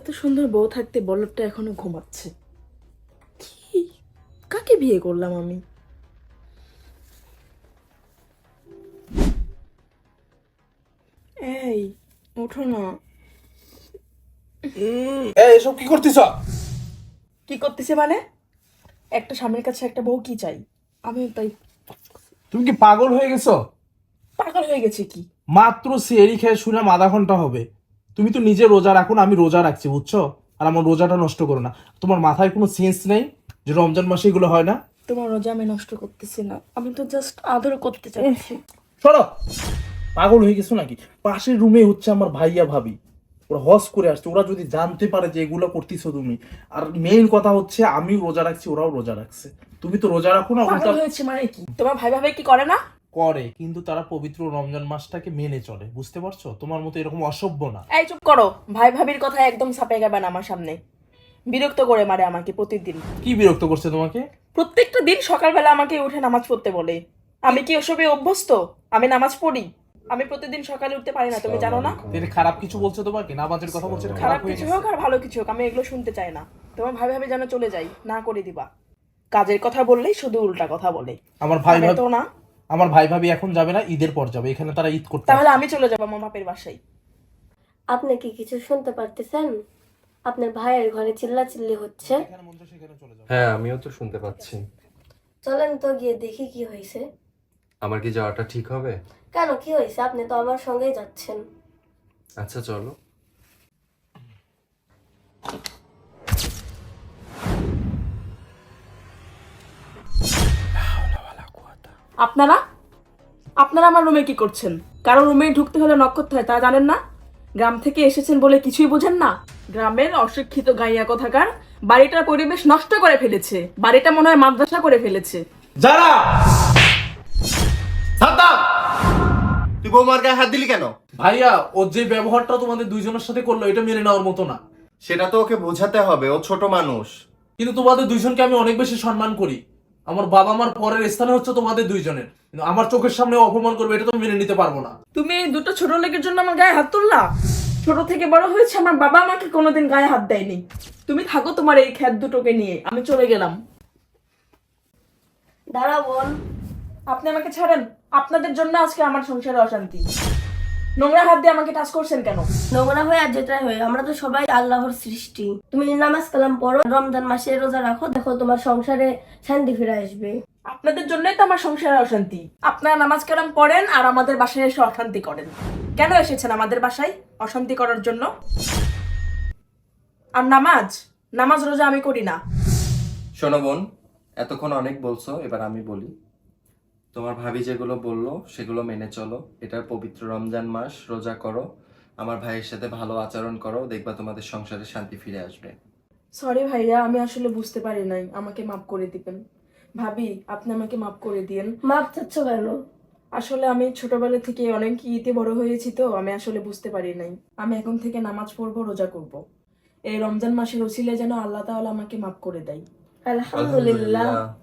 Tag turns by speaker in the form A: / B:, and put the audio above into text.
A: এত সুন্দর বউ থাকতে বলদটা এখনো ঘুমাচ্ছে। কি, কাকে বিয়ে করলাম আমি? এই ওঠো না।
B: এসব কি করতেছ?
A: কি করতেছে মানে? একটা স্বামীর কাছে একটা বউ কি চাই? আমি তাই
B: তুমি কি পাগল হয়ে গেছো?
A: পাগল হয়ে গেছে কি?
B: মাত্র সেহরি খেয়ে শুনলাম আধা ঘন্টা হবে। তুমি তো নিজে রোজা রাখো না, আমি রোজা রাখছি বুঝছো? আর আমার রোজাটা নষ্ট করো না। তোমার মাথায় কোনো সেন্স নেই যে রমজান মাসে এগুলো হয় না?
A: তোমার রোজা আমি নষ্ট করতেছি না, আমি তো জাস্ট আদর করতে চাচ্ছি।
B: সরো, পাগল হয়ে গেছো নাকি? পাশের রুমে হচ্ছে আমার ভাইয়া ভাবি, ওরা হজ করে আসছে। ওরা যদি জানতে পারে যে এগুলো করতেছো তুমি, আর মেইন কথা হচ্ছে আমি রোজা রাখছি, ওরাও রোজা রাখছে। তুমি তো রোজা রাখো না,
A: পাগল
B: উল্টা
A: হয়েছে মানে কি? তোমার ভাই ভাবে কি করে না?
B: করে। কিন্তু তারা পবিত্র রমজান মাসটাকে মেনে চলে, বুঝতে পারছো? তোমার মতো এরকম অসভ্য না।
A: এই চুপ করো, ভাই ভাবির কথা একদম ছাপে যাবে না আমার সামনে। বিরক্ত করে মারে আমাকে প্রতিদিন।
B: কি বিরক্ত করছে তোমাকে?
A: প্রত্যেকটা দিন সকালবেলা আমাকে উঠে নামাজ পড়তে বলে। আমি কি ওসবে অভ্যস্ত? আমি নামাজ পড়ি। আমি প্রতিদিন সকালে উঠতে পারি না, তুমি জানো না?
B: তিনি খারাপ কিছু বলছে তোমাকে? নামাজের কথা বলছে, এটা
A: খারাপ
B: খারাপ হয়ে
A: কিছু
B: গেছে।
A: হোক আর ভালো কিছু হোক, আমি এগুলো শুনতে চাই না। তোমার ভাই ভাবি যেন চলে যাই, না করে দিবা। কাজের কথা বললেই শুধু উল্টা কথা বলে।
B: আমার ভাই
A: পারে
B: ভাবি,
A: তো না।
B: আমার ভাই ভাবি এখন যাবে না, ঈদের পর যাবে। এখানে তারা ঈদ করতে
A: তাহলে
B: আসছে।
A: আমি চলে যাবো আমার বাপের বাসায়।
C: আপনি কি কিছু শুনতে পারতেছেন? আপনার ভাইয়ের ঘরে চিল্লাচিল্লি হচ্ছে।
B: এখানে মন চায় সেখানে চলে যাও।
D: হ্যাঁ, আমিও তো শুনতে পাচ্ছি।
C: চলেন তো গিয়ে দেখি কি হয়েছে।
D: আমার কি যাওয়াটা ঠিক হবে?
C: কেন, কি হয়েছে? আপনি তো আমার সঙ্গেই যাচ্ছেন।
D: আচ্ছা চলো।
A: আপনারা আপনারা আমার রুমে কি করছেন? কারো রুমে ঢুকতে হলে নক করতে হয়, তা জানেন না? গ্রাম থেকে এসেছেন বলে কিছুই বোঝেন না? গ্রামের অশিক্ষিত গাইয়া কোথাকার বাড়িটার পরিবেশ নষ্ট করে ফেলেছে। বাড়িটা মনে হয় মাদ্রাসা করে ফেলেছে।
E: যারা সাদ্দাম, তুই বৌমার গায়ে হাত দিলি কেন?
B: ভাইয়া, ও যে ব্যবহারটা তোমাদের দুইজনের সাথে করলো, এটা মেনে নেওয়ার মতো না।
E: সেটা তো ওকে বোঝাতে হবে, ও ছোট মানুষ।
B: কিন্তু তোমাদের দুইজনকে আমি অনেক বেশি সম্মান করি। আমার বাবা মার পরের স্থানে হচ্ছে তোমাদের দুইজনের, কিন্তু আমার চোখের সামনে অপমান করবে, এটা তো মেনে নিতে পারবো না।
A: তুমি এই দুটো ছোট লোকের জন্য আমার গায়ে হাত তুললা? ছোট থেকে বড় হয়েছে, আমার বাবা আমাকে কোনোদিন গায়ে হাত দেয়নি। তুমি থাকো তোমার এই খ্যাত দুটোকে নিয়ে, আমি চলে গেলাম।
C: দাঁড়া বোন।
A: আপনি আমাকে ছাড়েন। আপনাদের জন্য আজকে আমার সংসারে অশান্তি। নোংরা হাত দিয়ে আমাকে টাচ করছেন কেন?
C: নোংরা হয়ে আর যেটাই হয়ে, আমরা তো সবাই আল্লাহর সৃষ্টি। তুমি নামাজ কালাম পড়ো, রমজান মাসে রোজা রাখো, দেখো তোমার সংসারে শান্তি ফিরে আসবে।
A: আপনাদের জন্যই তো আমার সংসারে অশান্তি। আপনারা নামাজ কালাম পড়েন আর আমাদের বাসায় এসে অশান্তি করেন। কেন এসেছেন আমাদের বাসায়? অশান্তি করার জন্য। আর নামাজ নামাজ রোজা আমি করি না।
D: শোনো বোন, এতক্ষণ অনেক বলছো, এবার আমি বলি। তোমার ভাবি যেগুলো বললো সেগুলো মেনে চলো। এটার পবিত্র রমজান মাস, রোজা করো, আমার ভাইয়ের সাথে ভালো আচরণ করো, দেখবা তোমাদের সংসারে শান্তি ফিরে আসবে।
A: সরি ভাইয়া, আমি আসলে বুঝতে পারি নাই, আমাকে মাফ করে দিবেন। ভাবি, আপনি আমাকে মাফ করে দিয়েন।
C: মাপ চাচ্ছ কেন?
A: আসলে আমি ছোটবেলা থেকে অনেক ইতে বড় হয়েছি, তো আমি আসলে বুঝতে পারি নাই। আমি এখন থেকে নামাজ পড়বো, রোজা করব। এই রমজান মাসের ওসিলে যেন আল্লাহ তাআলা আমাকে মাফ করে দেয়।
C: আলহামদুলিল্লাহ।